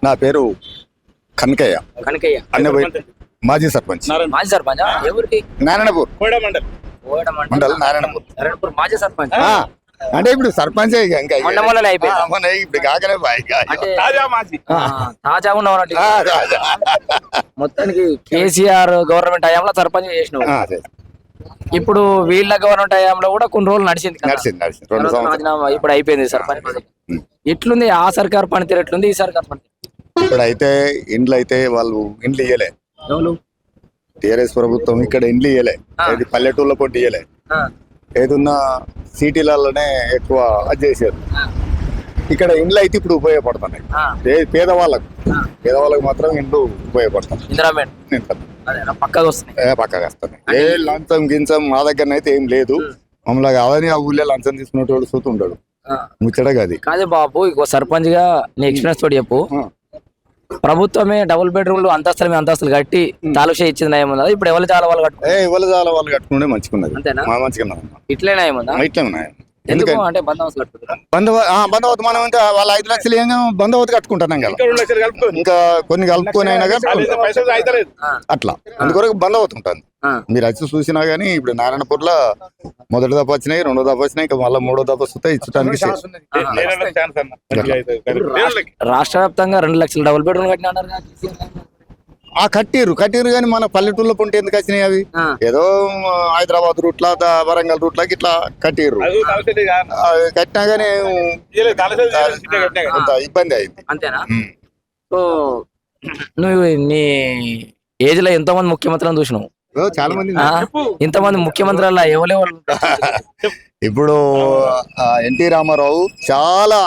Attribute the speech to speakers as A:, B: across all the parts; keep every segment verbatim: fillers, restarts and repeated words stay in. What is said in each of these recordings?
A: నా పేరు కనకయ్య
B: కనకయ్య
A: అన్న మాజీ సర్పంచ్
B: మాజీ సర్పంచ్ ఎవరికి
A: నారాయణపూర్
B: కోడ
A: మండల్ నారాయణపూర్
B: నారాయణపూర్ మాజీ సర్పంచ్
A: ఆ, అంటే ఇప్పుడు సర్పంచ్ ఇంకా
B: మొన్న మొన్ననే అయిపోయింది.
A: ఆ, మొన్న ఇప్పుడు కాకనే బాయ్
B: అంటే ఆ, తాజా ఉన్నవారంటే మొత్తానికి కేసీఆర్ గవర్నమెంట్ హయాంలో సర్పంచ్ చేసినావు. ఇప్పుడు వీళ్ళ గవర్నమెంట్ హయాంలో కూడా కొన్ని రోజులు నడిచింది కదా.
A: నడిచింది నడిచింది రెండు
B: తర్వాత
A: సంవత్సరాలు
B: రాజీనామా ఇప్పుడు అయిపోయింది సర్పంచ్ పదవి.
A: ఉం.
B: ఎట్లుంది ఆ సర్కార్ పనితీరు ఎట్లుంది ఈ సర్కార్ పనితీరు?
A: ఇక్కడ అయితే ఇండ్లు అయితే వాళ్ళు ఇండ్లు ఇయ్యలే.
B: ఎవరు?
A: టీఆర్ఎస్ ప్రభుత్వం ఇక్కడ ఇండ్లు ఇయ్యలే.
B: ఆ.
A: ఇది పల్లెటూళ్ళ పొట్టి ఇయ్యలే.
B: ఆ,
A: ఏదున్నా సిటీలలోనే ఎక్కువ అది చేశారు. ఇక్కడ ఇండ్లు అయితే ఇప్పుడు ఉపయోగపడుతున్నాయి.
B: ఆ,
A: పే- పేదవాళ్ళకు
B: ఆ.
A: పేదవాళ్ళకు మాత్రం ఇండ్లు ఉపయోగపడుతున్నాయి.
B: ఇందిరా మేడం అదే పక్కగా వస్తున్నాయి.
A: ఏ పక్కగా వస్తున్నాయి. ఏ లంచం గించం మా దగ్గర అయితే ఏం లేదు. మమ్మల్ని కాదని ఆ ఊళ్ళో లంచం తీసుకునేటోడు చూస్తూ ఉంటాడు.
B: ఆ,
A: ముచ్చటగా అది
B: కాదే బాబు ఇక సర్పంచ్ గా నీ ఎక్స్పీరియన్స్ తోటి చెప్పు.
A: ఆ.
B: ప్రభుత్వమే డబుల్ బెడ్రూమ్లు అంతస్తుల మీద అంతస్తులు కట్టి తాలూషా ఇచ్చింది ఏముందా? ఇప్పుడు ఎవరు చాలా వాళ్ళు కట్టు
A: ఏ ఇవ్వల చాలా వాళ్ళు కట్టుకుంటే మంచిగున్నది.
B: అంతేనా?
A: మా మంచిగా
B: ఇట్లేనా ఏముందా?
A: ఇట్లా ఉన్నాయి.
B: ఎందుకు
A: ఎందుకంటే
B: అంటే బందోబస్తు కట్టుకుంటారు.
A: బంధవ బంధవత్ మనం ఇంకా వాళ్ళ ఐదు లక్షలు ఏం బంధవత్ కట్టుకుంటున్నాం కదా. ఇంకా కొన్ని కలుపుకొని అయినా కానీ
B: ఆ,
A: అట్లా అందుకొరకు బంధవత్ ఉంటుంది.
B: ఆ,
A: మీరు వచ్చి చూసినా గానీ ఇప్పుడు నారాయణపూర్ లో మొదటి దఫ వచ్చినాయి, రెండో దఫ వచ్చినాయి, ఇంకా మళ్ళీ మూడో దఫ వస్తే ఇచ్చడానికి
B: రాష్ట్ర వ్యాప్తంగా రెండు లక్షల డబుల్ బెడ్రూమ్ కట్టినా అన్నారు కదా.
A: ఆ కట్టిరు కట్టిరు కానీ మన పల్లెటూళ్ళ పొంటి ఎందుకు వచ్చినాయి అవి?
B: ఆ,
A: ఏదో హైదరాబాద్ రూట్లా దా- వరంగల్ రూట్లా ఇట్లా కట్టిర్రు. అవి కట్టినా గానీ కొంత ఇబ్బంది అయింది.
B: అంతేనా?
A: ఉమ్.
B: సో నువ్వు నీ ఏజ్ లో ఎంతో మంది ముఖ్యమంత్రులను చూసినావు.
A: ఓ, చాలా మంది
B: ఆ, ఇంతమంది ముఖ్యమంత్రుల ఎవరెవరు?
A: ఇప్పుడు ఎన్టీ రామారావు చాలా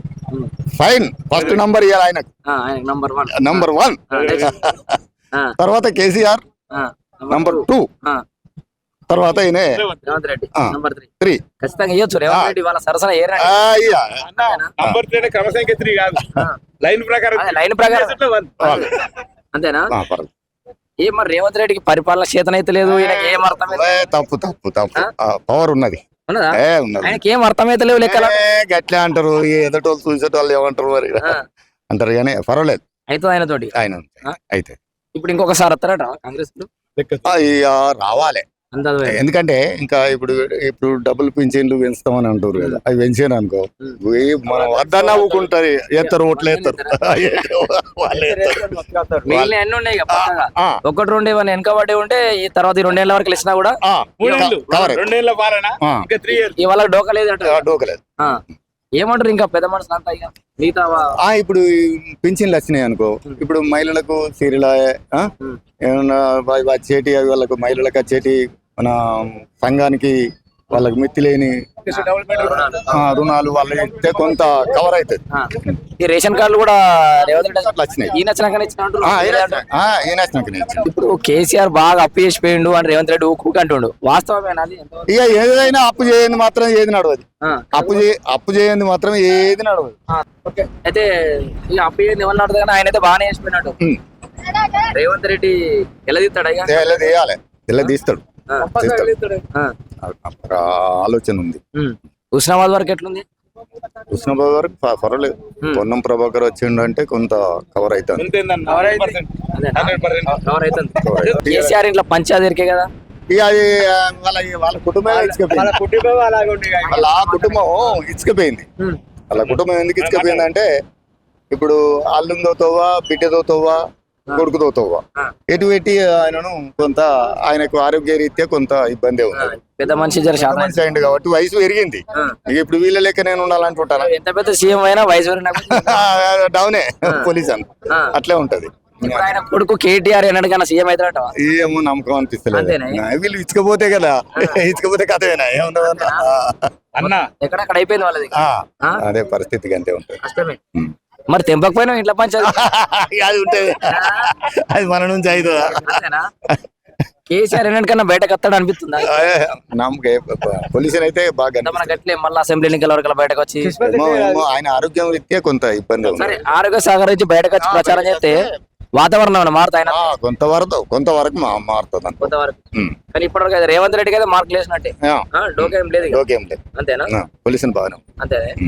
A: ఫైన్ ఫస్ట్ నంబర్ ఇవ్వాలి ఆయనకు,
B: ఆ, ఆయన నంబర్ వన్.
A: Number one.
B: ఆ, next. ఆ,
A: తర్వాత కేసీఆర్
B: ఆ,
A: నంబర్ టూ,
B: ఆ,
A: తర్వాత ఈయన
B: రేవంత్ రెడ్డి
A: ఆ.
B: Number three.
A: త్రీ.
B: ఖచ్చితంగా ఇవ్వచ్చు రేవంత్ రెడ్డి వాళ్ళ సరసన ఏ రా-
A: ఆ, ఇయ్య.
C: నంబర్ త్రీ క్రమ సంఖ్య త్రీ కాదు,
B: ఆ,
C: లైన్ ప్రకారం
B: అదే లైన్ ప్రకారం
C: వన్.
A: వాళ్ళు.
B: అంతేనా?
A: ఆ, పర్లేదు.
B: ఏ మరి రేవంత్ రెడ్డికి పరిపాలన చేతనైతే లేదు, ఈయనకి ఏం అర్థమైతే
A: ఏ, తప్పు తప్పు తప్పు పవర్ ఉన్నది.
B: ఉన్నదా?
A: ఏ ఉన్నది.
B: ఆయనకి ఏం అర్థమైతే లేవు లెక్కల.
A: ఏ, గట్లే అంటారు. ఈ ఎదటోళ్ళు చూసేటోళ్ళు ఏమంటారు మరి
B: ఆ,
A: అంటారు కానీ పర్వాలేదు.
B: అయితే ఆయన తోటి
A: ఆయన
B: ఆ?
A: అయితే
B: ఇప్పుడు ఇంకొకసారి వస్తారట కాంగ్రెస్ లు.
A: ఆ, ఇక రావాలి.
B: అంత
A: ఎందుకంటే ఇంకా ఇప్పుడు ఇప్పుడు డబుల్ పింఛన్లు పెంచుతామని అంటారు కదా, అవి పెంచాను అనుకో ఈ మనం వద్ద నవ్వుకుంటారు, ఎత్తారు ఓట్లు ఎత్తారు వాళ్ళు ఎత్తారు.
B: మిగిలిన ఎన్ని ఉన్నాయి ఇక పక్కగా.
A: ఆ,
B: ఒకటి రెండు ఏమైనా వెనకబడి ఉంటే ఈ తర్వాత ఈ రెండేళ్ల వరకు ఇచ్చినా కూడా
A: ఆ,
C: మూడేళ్ళు
A: కవర్
C: రెండేళ్ల పాలన
A: ఆ.
C: ఇంకా త్రీ ఇయర్స్.
B: ఇవాళ డోకా లేదు అంటారు.
A: డోకలేదు.
B: ఆ, ఏమంటారు ఇంకా పెద్ద మనుషులు అంతా ఇక మిగతా వా-
A: ఆ, ఇప్పుడు ఈ పింఛన్లు వచ్చినాయి అనుకో, ఇప్పుడు మహిళలకు సీరియల్
B: ఉమ్,
A: ఏమన్నా వా- వచ్చేటి అవి వాళ్ళకు మహిళలకు వచ్చేటి మన సంఘానికి వాళ్ళకి మిత్తి లేని
B: రుణాలు.
A: ఆ, రుణాలు వాళ్ళు ఇస్తే కొంత కవర్ అవుతుంది.
B: ఆ, ఈ రేషన్ కార్డులు కూడా రేవంత్ రెడ్డి
A: అట్లా వచ్చినాయి.
B: ఈ నచ్చినాకనే ఇచ్చిన అంటారు.
A: ఆ, ఈయన వచ్చినాక- ఆ, ఈయన వచ్చినాకనే ఇచ్చిండు.
B: ఇప్పుడు కేసీఆర్ బాగా అప్పు చేసిపోయిండు అని రేవంత్ రెడ్డి ఊకు అంటుండు. వాస్తవమేనా అది? ఎంతవరకు?
A: ఇక ఏదైనా అప్పు చేయండి మాత్రం ఏది నడవదు.
B: ఆ,
A: అప్పు చే అప్పు చేయండి మాత్రం ఏది నడవదు.
B: ఆ, ఓకే. అయితే ఈ అప్పు చేయండి ఎవరు నడుతుంది కానీ ఆయన అయితే బాగానే చేసిపోయినట్టు.
A: ఉమ్.
B: రేవంత్ రెడ్డి ఎలా తీస్తాడు అయ్యా?
A: ఇలా తీయాలి, ఇలా తీస్తాడు.
B: ఆ,
A: తీస్తాడు.
B: ఆ,
A: అక్కడ ఆలోచన ఉంది.
B: ఉమ్. హుస్నాబాద్ వరకు ఎట్లుంది?
A: కృష్ణబాబు గారికి ప- పర్వాలేదు.
B: ఉమ్.
A: పొన్నం ప్రభాకర్ వచ్చిండు అంటే కొంత కవర్ అవుతుంది.
C: ఎంతేందన్న? Hundred percent. Hundred percent.
B: Cover అవుతుంది. కేసీఆర్ ఇంట్లో పంచాయతీ ఎరికే కదా.
A: ఇక అది ఆ, వాళ్ళ వాళ్ళ కుటుంబం
C: వాళ్ళ
A: ఇచ్చుకపోయింది.
C: కుటుంబం అలాగే ఉంది ఇక.
A: వాళ్ళ ఆ కుటుంబం ఇచ్చుకపోయింది.
B: ఉమ్,
A: వాళ్ళ కుటుంబం ఎందుకు ఇచ్చుకపోయింది అంటే ఇప్పుడు అల్లుందో తోవా, బిడ్డదో తోవా, కొడుకుదో తోవా,
B: ఆ,
A: ఎటు పెట్టి ఆయనను కొంత ఆయనకు ఆరోగ్య రీత్యా కొంత ఇబ్బంది
B: ఆ,
A: ఉంది.
B: పెద్ద మనిషి జర శాతం.
A: మనిషి అయింది కాబట్టి వయసు పెరిగింది.
B: ఆ,
A: ఇక ఇప్పుడు వీళ్ళ లెక్క నేను ఉండాలనుకుంటాను.
B: ఎంత పెద్ద సీఎం అయినా వయసు పెరిగినప్పుడు
A: డౌనే పోలీస్ అని
B: ఆ.
A: అట్లే ఉంటది.
B: ఇప్పుడు ఆయన కొడుకు కేటీఆర్ ఎన్నటికన్నా సీఎం అవుతాడట.
A: ఏమో నమ్మకం అనిపిస్తలేదు.
B: అంతేనా?
A: నా వీళ్ళు ఇచ్చకపోతే కదా, ఇచ్చకపోతే కథమేనా ఏముండదు.
C: అన్న
B: ఎక్కడక్కడ అయిపోయింది వాళ్ళది. ఆ?
A: అదే పరిస్థితికి అంతే ఉంటుంది.
B: కష్టమే.
A: ఉమ్.
B: మరి తెంపకపోయినా ఇంట్లో పంచాయతీ
A: అది ఉంటది, అది మన నుంచి అవుతుందా?
B: అంతేనా? కేసీఆర్ ఎన్నటికన్నా బయటకు వస్తాడు అనిపిస్తుందా?
A: నమ్మకం పొల్యూషన్ అయితే బాగా
B: అంటే మన గట్లే మళ్ళీ అసెంబ్లీ ఎన్నికల వరకు బయటకు వచ్చి
A: ఏమో, ఏమో ఆయన ఆరోగ్యం రీత్యా కొంత ఇబ్బంది ఉంది.
B: సరే ఆరోగ్య సహకరించి బయటకు వచ్చి ప్రచారం చేస్తే వాతావరణం ఏమైనా మారుతా ఆయన
A: ఆ, కొంతవరకు కొంతవరకు మా మారుతుంది అనుకో.
B: కొంతవరకు.
A: ఉమ్.
B: కానీ ఇప్పటివరకు అయితే రేవంత్ రెడ్డికి అయితే మార్కులు వేసినట్టే.
A: ఆ,
B: ఆ, డోకా ఏం లేదు ఇక.
A: ఓకే ఏం లేదు.
B: అంతేనా?
A: పొల్యూషన్ బాగానే ఉంది.
B: అంతే.